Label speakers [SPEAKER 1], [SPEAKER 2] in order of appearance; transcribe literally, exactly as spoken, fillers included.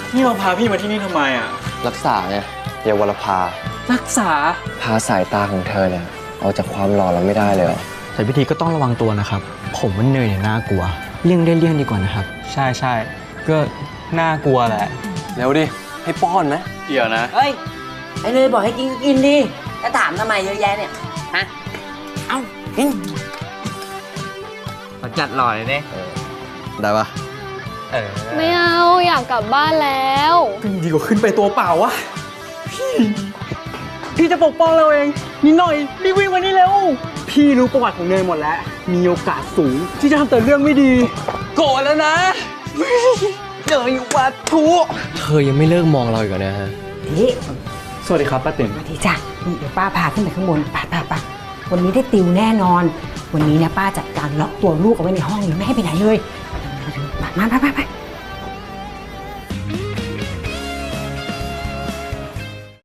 [SPEAKER 1] นี่เราพาพี่มาที่นี่ทำไมอ่ะ
[SPEAKER 2] รักษาไงเยาวรภา
[SPEAKER 1] รักษา
[SPEAKER 2] พาสายตาของเธอเนี่ยเอาจากความหล่อเราไม่ได้เลยเหรอ
[SPEAKER 3] แต่พิธีก็ต้องระวังตัวนะครับผมว่าเนยเนี่ยน่ากลัวเลี่ยงได้เลี่ยงดีกว่านะครับ
[SPEAKER 1] ใช่ใช่ก็น่ากลัวแหละ
[SPEAKER 2] เร็วดิให้ป้อนไหม
[SPEAKER 1] เดี๋ยวนะ
[SPEAKER 4] เฮ้ยไอ้เนยบอกให้กินก็กินดิแล้วถามทำไมเยอะแยะเนี่ยฮะเอ้ากินขอจัดหล่อเลยเนี่ย
[SPEAKER 2] ได้ปะ
[SPEAKER 4] เออ
[SPEAKER 5] ไม่เอาอยากกลับบ้านแล้ว
[SPEAKER 1] ดีกว่าขึ้นไปตัวเปล่าวะพี่พี่จะปกป้องเราเองนิดหน่อยรีบวิ่งมานี่เร็วพี่รู้ประวัติของเนยหมดแล้วมีโอกาสสูงที่จะทำแต่เรื่องไม่ดีโกรธแล้วนะเนยวัตถุ
[SPEAKER 2] เธอยังไม่เลิกมองเราอีกเหรอเนี่ยฮะ
[SPEAKER 4] นี่
[SPEAKER 1] สวัสดีครับป้าติ๋ม
[SPEAKER 4] สวัสดีจ้ะนี่เดี๋ยวป้าพาขึ้นไปข้างบนป้าป้าป้าวันนี้ได้ติวแน่นอนวันนี้เนี่ยป้าจัดการล็อกตัวลูกเอาไว้ในห้องเลยไม่ให้ไปไหนเลยมามาไปไป